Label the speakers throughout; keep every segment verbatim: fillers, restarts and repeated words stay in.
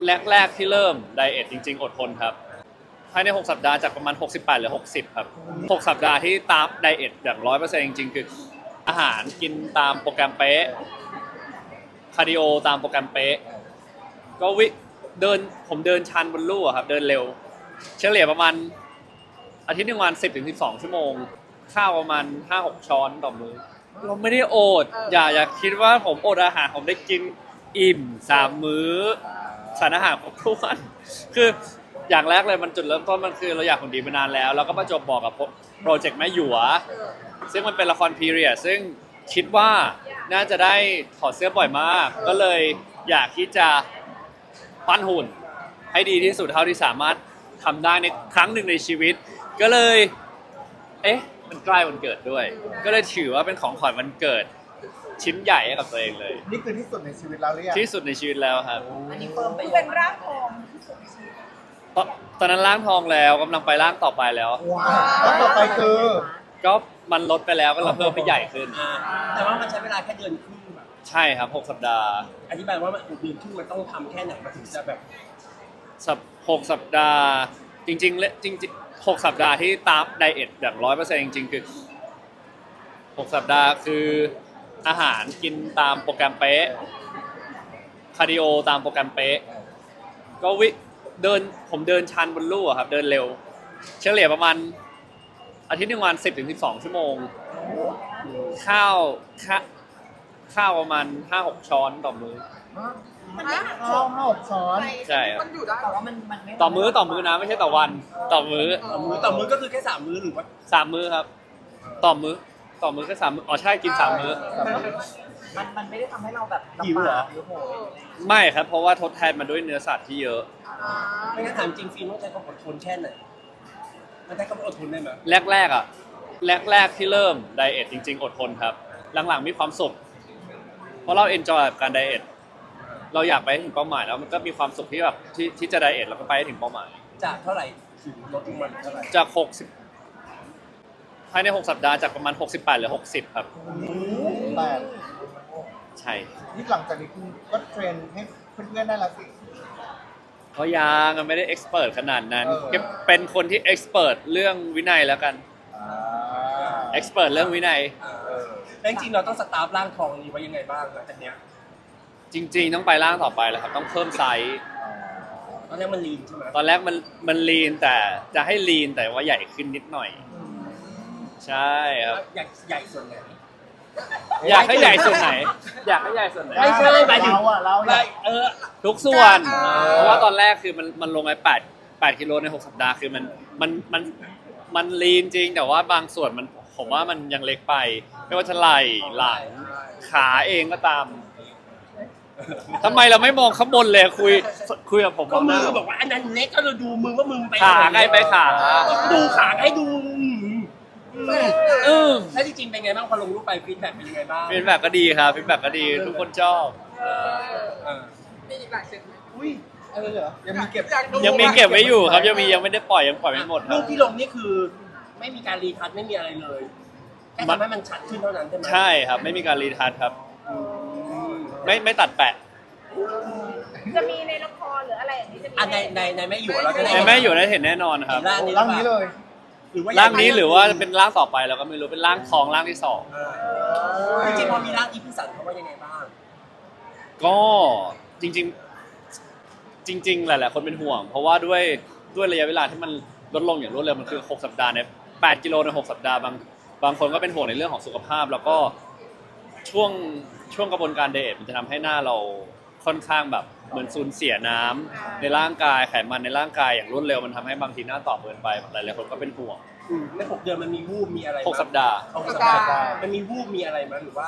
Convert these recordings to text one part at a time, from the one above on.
Speaker 1: แรกๆที่เริ่มไดเอทจริงๆอดทนครับภายในหกสัปดาห์จากประมาณหกสิบแปดเหลือหกสิบครับหกสัปดาห์ที่ตามไดเอทอย่าง ร้อยเปอร์เซ็นต์ จริงๆคืออาหารกินตามโปรแกรมเป๊ะคาร์ดิโอตามโปรแกรมเป๊ะก็วิเดินผมเดินชันบนลู่อะครับเดินเร็วเฉลี่ยประมาณอาทิตย์หนึ่งวัน สิบถึงสิบสอง ชั่วโมงข้าวประมาณ ห้าหก ช้อนต่อมื้อเราไม่ได้อดอย่าอย่าคิดว่าผมอดอาหารผมได้กินอิ่มสามมื้อสารอาหารครบถ้วนคืออย่างแรกเลยมันจุดเริ่มต้นมันคือเราอยากหุ่นดีมานานแล้วแล้วก็ประจวบบอกกับโปรเจกต์แม่หยวซึ่งมันเป็นละครพีเรียดซึ่งคิดว่าน่าจะได้ถอดเสื้อบ่อยมากก็เลยอยากที่จะปั้นหุ่นให้ดีที่สุดเท่าที่สามารถทำได้ในครั้งหนึ่งในชีวิตก็เลยเอ๊ะมันใกล้วันเกิดด้วยก็เลยถือว่าเป็นของขวัญวันเกิดชิ้นใหญ่ให้กับตัวเองเลย
Speaker 2: นี่คือที่สุดในชีวิตเราหรือยัง
Speaker 1: ที่สุดในชีวิตแล้วครับ
Speaker 3: อันนี้เพิ่มไป
Speaker 4: เป็นร่างทองที่สุดในชีวิต
Speaker 1: ตอนตอนนั้นร่างทองแล้วกำลังไปร่างต่อไปแล้ว
Speaker 2: ว้าวแล้วต่อไปคือ
Speaker 1: ก็มันลดไปแล้วก็เราเพิ่มให้ใหญ่ขึ้น
Speaker 3: แต่ว่ามันใช้เวลาแค่เดือนครึ่งแบบ
Speaker 1: ใช่ครับหกสัปดาห์
Speaker 3: อธิบายว่ามันเดือนครึ่งมันต้องทำแค่ไหนมันถึงจะแบบ
Speaker 1: สัปหกสัปดาห์จริงๆและจริงๆหกสัปดาห์ที่ตามไดเอทอย่าง ร้อยเปอร์เซ็นต์ จริงๆคือหกสัปดาห์คืออาหารกินตามโปรแกรมเป๊ะคาร์ดิโอตามโปรแกรมเป๊ะก็วิเดินผมเดินชันบนลู่อะครับเดินเร็วเฉลี่ยประมาณอาทิตย์หนึ่งวัน สิบถึงสิบสอง ชั่วโมงข้าวข้าข้าวประมาณ ห้าหก ช้อนต่อมื้อ
Speaker 4: มันไม่หัก
Speaker 2: ข้าวห้าหกช้อน
Speaker 1: ใช่ครับ
Speaker 4: มันอยู่ได้แต่ว่ามันมันไม่
Speaker 1: ต่อมื้อต่อมื้อนะไม่ใช่ต่อวันต่อมื้อ
Speaker 3: ต่อมื้อต่อมื้อก็คือแค่สามมื้อหรือว่า
Speaker 1: สามมื้อครับต่อมื้อต่อมื้อก็สามมื้ออ๋อใช่กินสามมื้อ
Speaker 4: มันมันไม่ได้ทำให้เราแบบ
Speaker 3: หิวเหรอ
Speaker 1: ไม่ครับเพราะว่าทดแทนมาด้วยเนื้อสัตว์ที่เยอะ
Speaker 3: ไม่งั้นถามจริงฟิล์มต้องใช้ความอดทนแค่ไหนมันใช้ความอดทนได้ไหม
Speaker 1: แรกๆอ่ะแรกๆที่เริ่มไดเอทจริงๆอดทนครับหลังๆมีความสุขเพราะเราเอนจอยกับการไดเอทเราอยากไปถึงเป้าหมายแล้วมันก็มีความสุขที่แบบที่ที่จะไดเอทแล้วก็ไปถึงเป้าหมาย
Speaker 3: จากเท่าไหร่ถึงลดลงมาเท่าไหร่
Speaker 1: จากหกสิบภายในหกสัปดาห์จากประมาณหกสิบแปดเหลือหกสิบครับ
Speaker 2: แปด
Speaker 1: ใช่
Speaker 2: นี่หลังจากนี้คุณก็เทรนให้เพื่อนๆได้ละสิ
Speaker 1: เขายังไม่ได้เอ็กซ์เพรสขนาดนั้นเป็นคนที่เอ็กซ์เพรสเรื่องวินัยแล้วกันเอ็กซ์เพรสเรื่องวินัย
Speaker 3: แล้วจริงๆเราต้องสตาร์ฟร่างทองนี้ไว้ยังไงบ้างหลังจากเนี้ย
Speaker 1: จริงๆต้องไปร่างต่อไปแล้วครับต้องเพิ่มไซส์
Speaker 3: ตอนแรกมันลีนใช่ไหม
Speaker 1: ตอนแรกมันมันลีนแต่จะให้ลีนแต่ว่าใหญ่ขึ้นนิดหน่อยใช่ครับ
Speaker 3: ใหญ่ใหญ่ส่วนไหน
Speaker 1: อยากให้ใหญ่ส่วนไหนอยากให้ใหญ่ส่วนไหน
Speaker 3: ไม่ใช่หมายถึง
Speaker 2: เราอะเรา
Speaker 3: เออ
Speaker 1: ทุกส่วนเพราะว่าตอนแรกคือมันมันลงไปแปดแปดกิโลในหกสัปดาห์คือมันมันมันมันลีนจริงแต่ว่าบางส่วนมันผมว่ามันยังเล็กไปไม่ว่าจะไหล่หลังขาเองก็ตามทำไมเราไม่มองข้างบนเลยคุยคุยกับผม
Speaker 3: ก็มือบอกว่าอันนั้นเล็กก็เราดูมือว่ามือไป
Speaker 1: ขาไงไปขา
Speaker 3: ดูขาให้ดู
Speaker 1: เออ
Speaker 3: แล้วจริงๆเป็นไงบ้างพอลงรูปไปฟีดแบ็กเป็นยังไงบ้าง
Speaker 1: ฟีดแบ็กก็ดีครับฟีดแบ็กก็ดีทุกคนชอบ
Speaker 4: มีอีกหลายเซต
Speaker 2: อุ้ยอะไรเหรอยังมีเก็บ
Speaker 1: ยังมีเก็บไว้อยู่ครับยังมียังไม่ได้ปล่อยยังปล่อยไม่หมด
Speaker 3: รูปที่ลงนี่คือไม่มีการรีทัชไม่มีอะไรเลยแค่ทำให้มันชัดขึ้นเท่านั้นใช่ไหม
Speaker 1: ใช่ครับไม่มีการรีทัชครับไม่ไม่ตัดแปะ
Speaker 4: จะมีในละครหรืออะไรอย่างนี้จะมี
Speaker 3: ในในในแม่อยู่เราจะได้
Speaker 1: ในแม่อยู่ได้เห็นแน่นอนครับ
Speaker 2: ร่างนี้เลย
Speaker 1: ร่างนี้หรือว่าเป็นร่างต่อไปเราก็ไม่รู้เป็นร่างทองร่างที่สอง
Speaker 3: จริงๆพอมีร่างอีพิสันเขาว่ายังไงบ้าง
Speaker 1: ก็จริงๆจริงๆหลายๆคนเป็นห่วงเพราะว่าด้วยด้วยระยะเวลาที่มันลดลงอย่างรวดเร็วมันคือหกสัปดาห์เนี่ยแปดกิโลในหกสัปดาห์บางบางคนก็เป็นห่วงในเรื่องของสุขภาพแล้วก็ช่วงช่วงกระบวนการไดเอทมันจะทำให้หน้าเราค่อนข้างแบบเหมือนสูญเสียน้ำในร่างกายไขมันในร่างกายอย่างรวดเร็วมันทำให้บางทีหน้าตอบเกินไปหลายๆคนก็เป็นห่วง
Speaker 3: ในหกเดือนมันมีวูบมีอะไร
Speaker 1: หกสัปดาห์
Speaker 3: หกสัปดาห์มันมีวูบมีอะไรมั้ยหรือว่า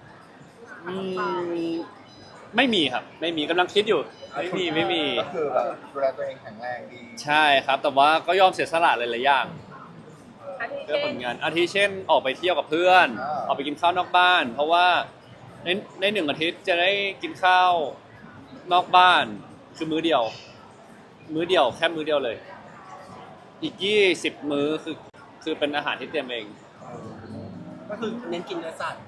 Speaker 1: ไม่มีครับไม่มีกำลังคิดอยู่ไม่มีไม่มี
Speaker 2: ก็คือแบบดูแลตัวเองแข็งแรงดี
Speaker 1: ใช่ครับแต่ว่าก็ยอมเสียสละหลายๆอย่างเพื่อผลงานอาทิเช่นออกไปเที่ยวกับเพื่อนออกไปกินข้าวนอกบ้านเพราะว่าในในหนึ่งอาทิตย์จะได้กินข้าวนอกบ้านคือมื้อเดียวมื้อเดียวแค่มื้อเดียวเลยอีกยี่สิบมื้อคือคือเป็นอาหารที่เตรียมเอง
Speaker 3: ก็คือเน้นกินเนื้อสัตว์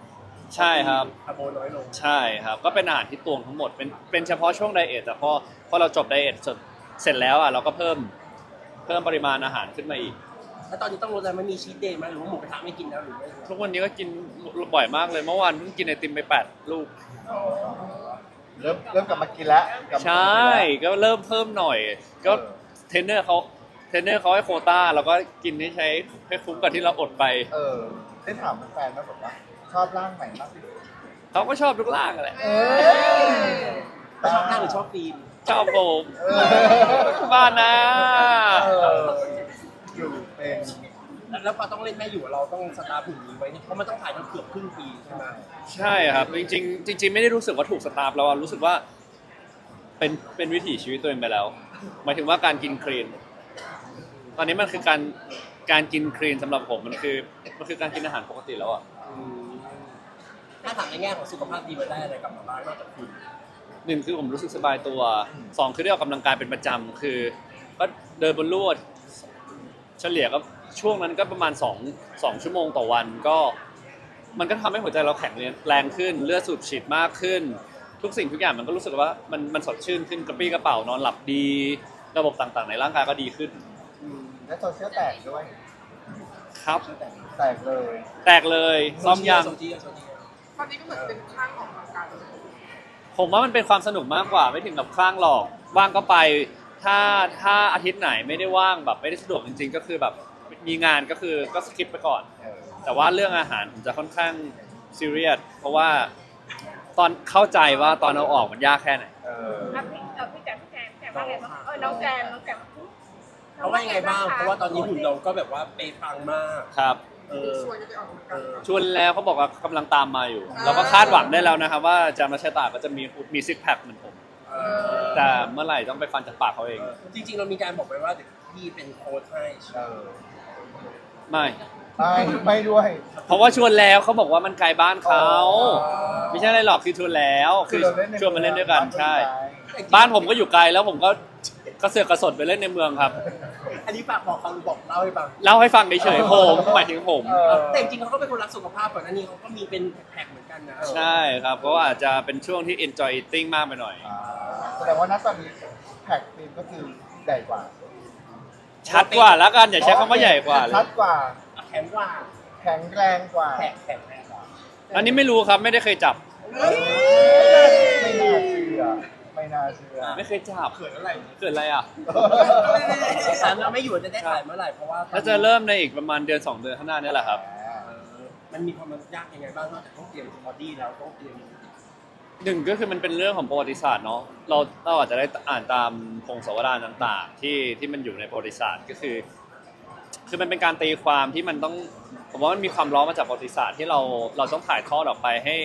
Speaker 1: ใช่ครับ
Speaker 3: คาร์โบน้อยลง
Speaker 1: ใช่ครับก็เป็นอาหารที่ตวงทั้งหมดเป็นเป็นเฉพาะช่วงไดเอทแต่พอพอเราจบไดเอทเสร็จเสร็จแล้วอ่ะเราก็เพิ่มเพิ่มปริมาณอาหารขึ้นมาอีก
Speaker 3: แล้วตอนนี้ต้องลดอะไรมันมีชีทเดย์ไหมหรือว่าหมูกระทะไม่กินแล้วหรือไม่
Speaker 1: ทุกวันนี้ก็กินบ่อยมากเลยเมื่อวานเพิ่งกินไอติมไปแปดลูก
Speaker 2: เริ่มเริ่มกลับมากินแล้วกลับมา
Speaker 1: ใช
Speaker 2: กินแล้ว
Speaker 1: ก็เริ่มเพิ่มหน่อย ก็เทรนเนอร์เขาเทรนเนอร์เขาให้โควต้าเราก็กินให้ใช้ให้คุ้มกับที่เราอดไป
Speaker 2: เออได้ถามแฟนๆไหมแบบว่าชอบร่างไหนมากที่สุด
Speaker 1: เขาก็ชอบทุกร่างแหละ
Speaker 2: เออ
Speaker 3: ชอบนั่งหรือชอบฟิล์ม
Speaker 1: ชอบผม
Speaker 2: เออ
Speaker 1: บ้านนะ
Speaker 2: เอออยู่เป็น
Speaker 3: แล้วแล้วพอต้องเล่นแม่อยู่เราต้องสตาร์ฟหุ่นนี้ไว้เนี่ยเพราะมันต้องถ่ายทั้งเกือบครึ่งปีใช่ไหม
Speaker 1: ใช่ครับจริงๆจริง ๆ ไม่ได้รู้สึกว่าถูกสตาร์ฟแล้วอะรู้สึกว่าเป็นเป็นวิถีชีวิตตัวเองไปแล้วหมายถึงว่าการกินคลีนตอนนี้มันคือการการกินคลีนสำหรับผมมันคือมันคือการกินอาหารปกติแล้วอะ
Speaker 3: อืมถ้าถามในแง่ของสุขภาพดีมันได้อะไรกลับมาบ้างนอกจากคุณ
Speaker 1: หนึ่งคือผมรู้สึกสบายตัวสองคือได้ออกกำลังกายเป็นประจำคือก็เดินบนลู่เฉลี่ยก็ช่วงนั้นก็ประมาณสองสองชั่วโมงต่อวันก็มันก็ทำให้หัวใจเราแข็งแรงขึ้นเลือดสูบฉีดมากขึ้น ทุกสิ่งทุกอย่างมันก็รู้สึกว่ามันมันสดชื่นขึ้นกระปรี้กระเป๋านอนหลับดี ระบบต่างๆในร่างกายก็ดีขึ้น
Speaker 3: อืม
Speaker 2: และโซเชียลแตกด้วย
Speaker 1: ครับ
Speaker 2: แตกเลย
Speaker 1: แตกเลยซ้อมยัง
Speaker 3: โซเชียลโซเชียล
Speaker 4: ตอนนี้ก็เหมือนเป็นข้างของการ
Speaker 1: ผมว่ามันเป็นความสนุกมากกว่าไม่ถึงกับคลั่งหรอกว่างก็ไป ถ้าถ้าอาทิตย์ไหนไม่ได้ว่างแบบไม่ได้สะดวกจริงๆ ก็คือแบบมีงานก็คือก็สคิปไปก่อน
Speaker 2: เออ
Speaker 1: แต่ว่าเรื่องอาหารผมจะค่อนข้างซีเรียสเพราะว่าตอนเข้าใจว่าตอนเอาออกมันยากแค่ไหน
Speaker 2: เออ
Speaker 4: อ่ะพี่เออพี่แจนพี่แจนแจนว่าไงบ้างเออน้องแจนน้องแจน
Speaker 3: เขาว่ายังไงบ้างเพราะว่าตอนนี้หุ่นเราก็แบบว่าเป๊ะปังมาก
Speaker 1: ครับ
Speaker 3: เออ
Speaker 4: ชวนจะไปออกกำลังกาย
Speaker 1: ชวนแล้วเขาบอกว่ากำลังตามมาอยู่ เราก็คาดหวังได้แล้วนะครับว่าจามาชะตาก็จะมีมีซิกแพคเหมือนผม
Speaker 3: เออ
Speaker 1: แต่เมื่อไหร่ต้องไปฟันจากปากเขาเอง
Speaker 3: จริงๆเรามีการบอกไปว่าเดี๋ยวพี่เป็นโค้ชให้
Speaker 2: เออ
Speaker 1: ไม่
Speaker 2: ไม่ไม่ด้วย
Speaker 1: เพราะว่าชวนแล้วเขาบอกว่ามันไกลบ้านเขาไม่ใช่อะไรหรอกคือชวนแล้วคือ
Speaker 2: เราเล่นใน
Speaker 1: ชวนมาเล่นด้วยกัน
Speaker 2: บ้า
Speaker 1: ใช่
Speaker 2: ไม่ไกล
Speaker 1: บ้านผมก็อยู่ไกลแล้วผมก็กระเสือกกระสนไปเล่นในเมืองครับ
Speaker 3: อันนี้ฝากบอกเขาหรือบอกเล่าให้ฟัง
Speaker 1: เล่าให้ฟังเฉยๆผมหมายถึงผม
Speaker 2: เออ
Speaker 3: แต่จริงๆเขาก็เป็นคนรักสุขภาพก่อนหน้านี้เขาก็มีเป็นแพ็คเหมือนกันนะ
Speaker 1: ใช่ครับก็อาจจะเป็นช่วงที่ enjoy eating มากไปหน่อย
Speaker 2: อ่าแสดงว่าณตอนนี้แพ็คฟิล์มก็คือใหญ่กว่า
Speaker 1: ชัดกว่าแล้วกันอย่าใช้คำว่าใหญ่กว่าเล
Speaker 2: ชั
Speaker 1: ย
Speaker 2: ดกว่า
Speaker 3: แข็งกว่า
Speaker 2: แข็งแรงกว่า
Speaker 3: แพ็คแพ็คแพ็คกว่า
Speaker 1: อันนี้ไม่รู้ครับไม่ได้เคยจับ
Speaker 2: ไม่น่าเชื่อ ไม่น่าเชื่อ
Speaker 1: ไม่เคยจับ
Speaker 3: เขินอะไร
Speaker 1: เกิดอะไรอ่ะ
Speaker 3: สารเราไม่อยู่จะได้ถ่ายเมื่อไหร่เพราะว่า
Speaker 1: ถ้าจะเริ่มในอีกประมาณเดือนสองเดือนข้างหน้านี่แหละครับ
Speaker 3: เออมันมีความยากยังไงบ้างนอกจากต้องเตรียมบอดี้แล้วต้องเตรียม
Speaker 1: หนึ่งก็คือมันเป็นเรื่องของประวัติศาสตร์เนาะเราเราอาจจะได้อ่านตามพงศาวดารต่างๆ ที่ที่มันอยู่ในประวัติศาสตร์ก็คือ คือมันเป็นการตีความที่มันต้องผมว่ามันมีความล้อมาจากประวัติศาสตร์ที่เราเราต้องถ่ายทอดออกไปให้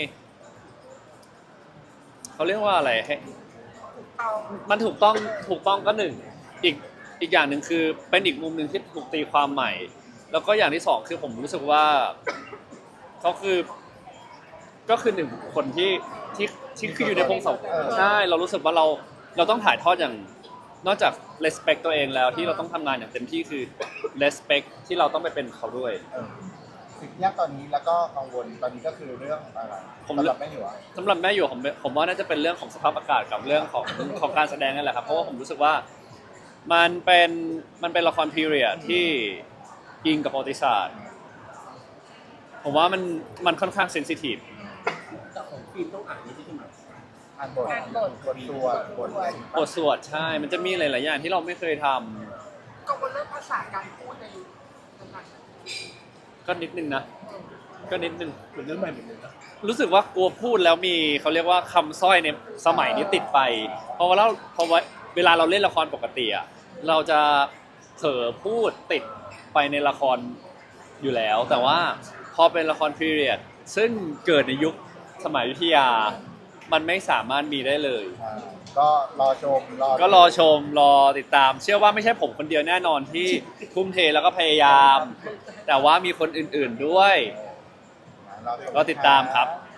Speaker 1: เขาเรียกว่าอะไรให้
Speaker 4: เอา
Speaker 1: มันถูกต้องถูกต้องก็หนึ่งอีกอีกอย่างหนึ่งคือเป็นอีกมุมหนึ่งที่ถูกตีความใหม่ แล้วก็อย่างที่สองคือผมรู้สึกว่าเขาคือก็คือหนึ่งคนที่ที่ที่คืออยู่ในพงศาวดารใช่เรารู้สึกว่าเราเราต้องถ่ายทอดอย่างนอกจาก respect ตัวเองแล้วที่เราต้องทำงานอย่างเต็มที่คือ respect ที่เราต้องไปเป็นเขาด้วย
Speaker 2: เออสิ่งที่ยากตอนนี้แล้วก็กังวลตอนนี้ก็คือเรื่องอะไร
Speaker 1: ผม
Speaker 2: สำหรับแม่หยวก
Speaker 1: สำหรับแม่อยู่ผมผมว่าน่าจะเป็นเรื่องของสภาพอากาศกับเรื่องของของการแสดงนั่นแหละครับเพราะว่าผมรู้สึกว่ามันเป็นมันเป็นละครพีเรียดที่อิงกับประวัติศาสตร์ผมว่ามันมันค่อนข้างเซนซิทีฟ
Speaker 3: แต่ของฟิล์มต้องอ่านนี่ใช่ไหม
Speaker 2: อ่านบทบทตัวบทอะไร
Speaker 1: บทสวดใช่ มันจะมีหลาย ๆ อย่างที่เราไม่เคยทำ
Speaker 4: กังวลเรื่องภาษาการพูดในยุคนั้น
Speaker 1: ก็นิดนึงนะ ก็นิดนึง
Speaker 3: เหมือนเรื่องใหม่เหมือนเดิมนะ
Speaker 1: รู้สึกว่ากลัวพูดแล้วมีเขาเรียกว่าคำสร้อยในสมัยนี้ติดไป เพราะว่าเราเพราะว่าเวลาเราเล่นละครปกติอะเราจะเผลอพูดติดไปในละครอยู่แล้ว แต่ว่าพอเป็นละครพีเรียดซึ่งเกิดในยุคสมัยอยุธยา มันไม่สามารถมีได้เลย
Speaker 2: อ่าก็รอชมรอ
Speaker 1: ก็รอชมรอติดตาม เชื่อว่าไม่ใช่ผมคนเดียวแน่นอนที่ทุ่มเทแล้วก็พยายาม แต่ว่ามีคนอื่น ๆด้วย
Speaker 2: รอชม
Speaker 1: ก็ติดตามครับ
Speaker 2: นะ